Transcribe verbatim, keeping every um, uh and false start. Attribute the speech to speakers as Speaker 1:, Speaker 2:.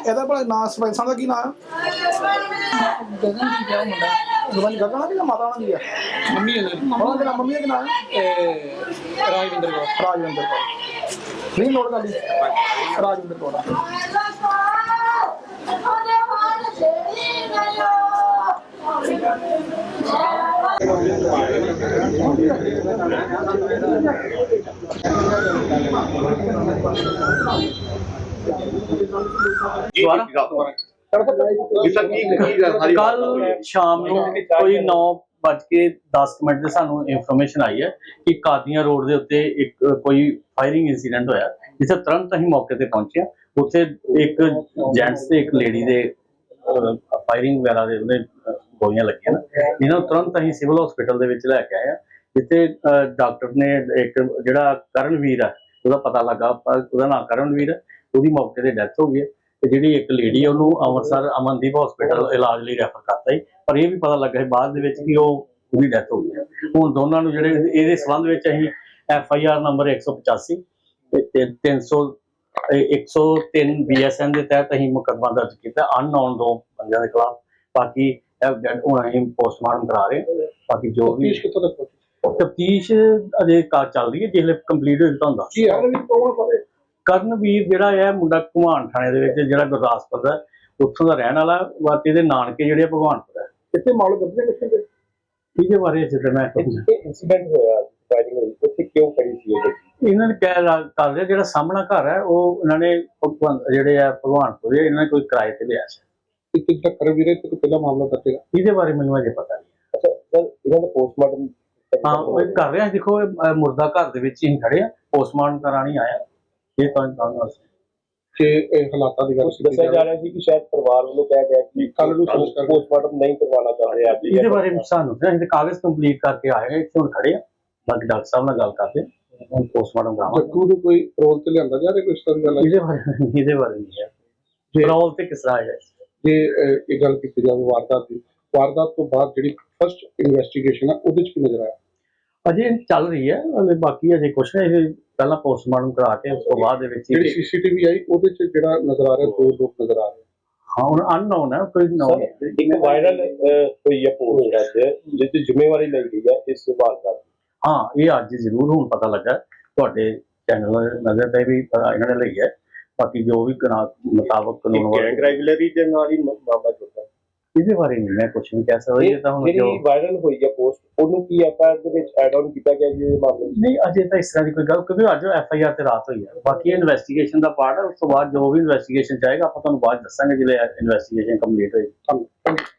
Speaker 1: ਇਹਦਾ ਭਲਾ ਨਾਂ ਸਰਪੰਚ ਸਾਹਿਬ ਦਾ ਕੀ ਨਾਂ ਆ?
Speaker 2: ਗਗਨ ਕੀ ਕਿਹਾ ਮੁੰਡਾ
Speaker 1: ਗਗਨ ਗਗਨ ਆ ਕਿ ਮਾਤਾ ਉਹਨਾਂ ਦੀ ਆ?
Speaker 2: ਮੰਮੀ ਹੈ
Speaker 1: ਉਹਨਾਂ ਦੇ ਨਾਲ ਮੰਮੀ ਦਾ ਕੀ ਨਾਂ ਆ?
Speaker 2: ਰਾਜਵਿੰਦਰ ਕੌਰ
Speaker 1: ਰਾਜਵਿੰਦਰ ਕੌਰ। ਨਹੀਂ ਨੋਟ ਕਰ ਲਈ, ਰਾਜਵਿੰਦਰ ਕੌਰ ਆ।
Speaker 3: ਕੱਲ ਸ਼ਾਮ ਨੂੰ ਕੋਈ ਨੌ ਵੱਜ ਕੇ ਦਸ ਮਿੰਟ ਦੇ ਸਾਨੂੰ ਇਨਫੋਰਮੇਸ਼ਨ ਆਈ ਹੈ ਕਿ ਕਾਦੀਆਂ ਰੋਡ ਦੇ ਉੱਤੇ ਇੱਕ ਕੋਈ ਫਾਇਰਿੰਗ ਇਨਸੀਡੈਂਟ ਹੋਇਆ, ਜਿੱਥੇ ਤੁਰੰਤ ਅਸੀਂ ਮੌਕੇ ਤੇ ਪਹੁੰਚੇ। ਉੱਥੇ ਇੱਕ ਜੈਂਟਸ ਤੇ ਇੱਕ ਲੇਡੀ ਦੇ ਫਾਇਰਿੰਗ ਵਗੈਰਾ ਦੇ ਉਹਦੇ ਗੋਲੀਆਂ ਲੱਗੀਆਂ ਨਾ, ਇਹਨਾਂ ਨੂੰ ਤੁਰੰਤ ਅਸੀਂ ਸਿਵਲ ਹਸਪੀਟਲ ਦੇ ਵਿੱਚ ਲੈ ਕੇ ਆਏ ਆ, ਜਿੱਥੇ ਡਾਕਟਰ ਨੇ ਇੱਕ ਜਿਹੜਾ ਕਰਨਵੀਰ ਹੈ ਉਹਦਾ ਪਤਾ ਲੱਗਾ, ਉਹਦਾ ਨਾਮ ਕਰਨਵੀਰ ਹੈ, ਉਹਦੀ ਮੌਕੇ ਤੇ ਡੈਥ ਹੋ ਗਈ ਹੈ। ਤੇ ਜਿਹੜੀ ਇੱਕ ਲੇਡੀ ਉਹਨੂੰ ਅੰਮ੍ਰਿਤਸਰ ਅਮਨਦੀਪ ਹਸਪੀਟਲ ਇਲਾਜ ਲਈ ਰੈਫਰ ਕਰਤਾ ਸੀ, ਪਰ ਇਹ ਵੀ ਪਤਾ ਲੱਗਾ ਸੀ ਬਾਅਦ ਦੇ ਵਿੱਚ ਕਿ ਉਹ ਉਹਦੀ ਡੈਥ ਹੋ ਗਈ ਹੈ। ਹੁਣ ਦੋਨਾਂ ਨੂੰ ਜਿਹੜੇ ਇਹਦੇ ਸੰਬੰਧ ਵਿੱਚ ਅਸੀਂ ਐਫ ਆਈ ਆਰ ਨੰਬਰ ਇੱਕ ਸੌ ਪਚਾਸੀ ਤੇ ਤਿੰਨ ਸੌ ਇੱਕ ਸੌ ਤਿੰਨ ਬੀ ਐਸ ਐਨ ਦੇ ਤਹਿਤ ਅਸੀਂ ਮੁਕੱਦਮਾ ਦਰਜ ਕੀਤਾ ਅਨਨੋਨ ਦੋ ਬੰਦਿਆਂ ਦੇ ਖਿਲਾਫ। ਬਾਕੀ ਹੁਣ ਅਸੀਂ ਪੋਸਟਮਾਰਟਮ ਕਰਾ ਰਹੇ ਹਾਂ। ਬਾਕੀ ਜੋ ਵੀ ਤਫਤੀਸ਼ ਅਜੇ ਚੱਲ ਰਹੀ ਹੈ, ਜਿਸਲੇ ਕੰਪਲੀਟ ਹੋ ਜਾਂਦਾ ਹੁੰਦਾ। ਕਰਨਵੀਰ ਜਿਹੜਾ ਹੈ ਮੁੰਡਾ ਭਗਵਾਨ ਥਾਣੇ ਦੇ ਵਿੱਚ ਜਿਹੜਾ ਗੁਰਦਾਸਪੁਰ ਦਾ ਉੱਥੋਂ ਦਾ ਰਹਿਣ ਵਾਲਾ, ਬਾਕੀ ਇਹਦੇ ਨਾਨਕੇ ਜਿਹੜੇ ਭਗਵਾਨਪੁਰ ਹੈ।
Speaker 1: ਕਿੱਥੇ ਮਾਲੂਮ ਕਰਦੇ ਕਿੱਥੇ ਦੇ
Speaker 3: ਇਹਦੇ ਬਾਰੇ ਜਿੱਦਾਂ ਮੈਂ
Speaker 4: ਇੰਸੀਡੈਂਟ ਹੋਇਆ ਫਾਇਰਿੰਗ ਹੋਈ ਉੱਥੇ ਕਿਉਂ ਕਰੀ ਸੀ
Speaker 3: ਇਹਨਾਂ ਨੇ ਕਹਿ ਕਰ ਰਿਹਾ ਜਿਹੜਾ ਸਾਹਮਣਾ ਘਰ ਹੈ ਉਹ ਇਹਨਾਂ ਨੇ ਜਿਹੜੇ ਆ ਭਗਵਾਨਪੁਰ ਇਹਨਾਂ ਨੇ ਕੋਈ ਕਿਰਾਏ ਤੇ ਲਿਆ ਸੀ।
Speaker 1: ਕਿੱਦਾਂ ਕਰਨਵੀਰ ਤੇ ਪਹਿਲਾ ਮਾਮਲਾ ਦੱਸੇਗਾ?
Speaker 3: ਇਹਦੇ ਬਾਰੇ ਮੈਨੂੰ ਅਜੇ ਪਤਾ ਨਹੀਂ।
Speaker 4: ਅੱਛਾ ਸਰ, ਇਹਨਾਂ ਦਾ ਪੋਸਟਮਾਰਟਮ
Speaker 3: ਹਾਂ ਉਹ ਕਰ ਰਿਹਾ। ਦੇਖੋ ਇਹ ਮੁਰਦਾ ਘਰ ਦੇ ਵਿੱਚ ਹੀ ਖੜੇ ਆ, ਪੋਸਟਮਾਰਟਮ ਕਰਾਣੀ ਆਇਆ। ਇਹ ਤਾਂ ਤੁਹਾਨੂੰ
Speaker 1: ਕਿ ਇਹ ਹਾਲਾਤਾਂ ਦੀ ਗੱਲ
Speaker 4: ਦੱਸਿਆ ਜਾ ਰਿਹਾ ਸੀ ਕਿ ਸ਼ਾਇਦ ਪਰਿਵਾਰ ਵੱਲੋਂ ਕਿਹਾ ਗਿਆ ਕਿ ਕੱਲ ਨੂੰ ਪੋਸਟਮਾਰਟਮ ਨਹੀਂ ਕਰਵਾਉਣਾ ਚਾਹ ਰਹੇ ਅੱਜ।
Speaker 3: ਇਹਦੇ ਬਾਰੇ ਸਾਨੂੰ ਅਸੀਂ ਕਾਗਜ਼ ਕੰਪਲੀਟ ਕਰਕੇ ਆਏ ਹਾਂ, ਇੱਥੇ ਹੁਣ ਖੜੇ ਆ। ਬਾਕੀ ਡਾਕਟਰ ਸਾਹਿਬ ਨਾਲ ਗੱਲ ਕਰਦੇ ਹੁਣ ਪੋਸਟਮਾਰਟਮ ਕਰਾਵਾਂਗੇ।
Speaker 1: ਜੱਗੂ ਨੂੰ ਕੋਈ ਰੋਲ ਤੇ ਲਿਆਂਦਾ ਜਾ ਰਿਹਾ ਕੋਈ ਇਸ ਤਰ੍ਹਾਂ ਦੀ ਗੱਲ?
Speaker 3: ਇਹਦੇ ਬਾਰੇ ਇਹਦੇ ਬਾਰੇ ਨਹੀਂ ਹੈ ਰੋਲ ਤੇ ਕਿਸ ਤਰ੍ਹਾਂ ਹੈ।
Speaker 1: ਜੇ ਇਹ ਗੱਲ ਕੀਤੀ ਜਾਵੇ ਵਾਰਦਾਤ ਦੀ, ਵਾਰਦਾਤ ਤੋਂ ਬਾਅਦ ਜਿਹੜੀ ਫਸਟ ਇਨਵੈਸਟੀਗੇਸ਼ਨ ਆ ਉਹਦੇ ਚ ਕੀ ਨਜ਼ਰ ਆਇਆ?
Speaker 3: ਅਜੇ ਚੱਲ ਰਹੀ ਹੈ, ਬਾਕੀ ਅਜੇ ਕੁਛ ਨਹੀਂ। ਇਹ ਪਹਿਲਾਂ ਪੋਸਟਮਾਰਟਮ ਕਰਾ ਕੇ ਉਸ ਤੋਂ ਬਾਅਦ ਦੇ ਵਿੱਚ
Speaker 1: ਜਿਹੜੀ ਸੀਸੀਟੀਵੀ ਆਈ ਉਹਦੇ ਚ ਜਿਹੜਾ ਨਜ਼ਰ ਆ ਰਿਹਾ ਦੋ ਲੋਕ ਨਜ਼ਰ ਆ ਰਹੇ।
Speaker 3: ਹਾਂ ਹੁਣ ਅਨਨੋਨ ਹੈ, ਕੋਈ ਨੋਨ।
Speaker 4: ਇੱਕ ਵਾਇਰਲ ਹੋਈ ਹੈ ਪੋਸਟ ਅੱਜ ਜਿਸ ਦੀ ਜ਼ਿੰਮੇਵਾਰੀ ਲਈ ਗਈ ਹੈ ਇਸ ਵਾਰਦਾਤ।
Speaker 3: ਹਾਂ ਇਹ ਅੱਜ ਜ਼ਰੂਰ ਹੁਣ ਪਤਾ ਲੱਗਾ ਤੁਹਾਡੇ ਚੈਨਲ ਨਜ਼ਰ ਤੇ ਵੀ ਇਹਨਾਂ ਨੇ ਲਈ ਹੈ। ਬਾਕੀ ਜੋ ਵੀ ਮੁਤਾਬਕ ਕਾਨੂੰਨ
Speaker 4: ਗੈਂਗ ਰੈਗੂਲਰੀ ਦੇ ਨਾਲ ਹੀ ਮਾਮਲਾ ਜੁੜਦਾ।
Speaker 3: ਇਹਦੇ ਬਾਰੇ ਨਹੀਂ ਮੈਂ ਕੁਝ ਨਹੀਂ ਕਹਿ ਸਕਦਾ। ਇਹ ਤਾਂ ਹੁਣ
Speaker 4: ਜਿਹੜੀ ਵਾਇਰਲ ਹੋਈ ਹੈ ਪੋਸਟ ਉਹਨੂੰ ਕੀ ਐਫ ਆਈ ਆਰ ਦੇ ਵਿੱਚ ਐਡ ਆਨ ਕੀਤਾ ਗਿਆ ਜੀ ਇਹ ਮਾਮਲੇ
Speaker 3: ਨਹੀਂ ਅਜੇ ਤਾਂ ਇਸ ਤਰ੍ਹਾਂ ਦੀ ਕੋਈ ਗੱਲ, ਕਿਉਂਕਿ ਅੱਜ ਐਫ ਆਈ ਆਰ ਤੇ ਰਾਤ ਹੋਈ ਹੈ। ਬਾਕੀ ਇਨਵੈਸਟੀਗੇਸ਼ਨ ਦਾ ਪਾਰਟ ਹੈ, ਉਸ ਤੋਂ ਬਾਅਦ ਜੋ ਵੀ ਇਨਵੈਸਟੀਗੇਸ਼ਨ ਚਾਹੇਗਾ ਆਪਾਂ ਤੁਹਾਨੂੰ ਬਾਅਦ ਦੱਸਾਂਗੇ ਜਦੋਂ ਇਨਵੈਸਟੀਗੇਸ਼ਨ ਕੰਪਲੀਟ ਹੋਏਗੀ।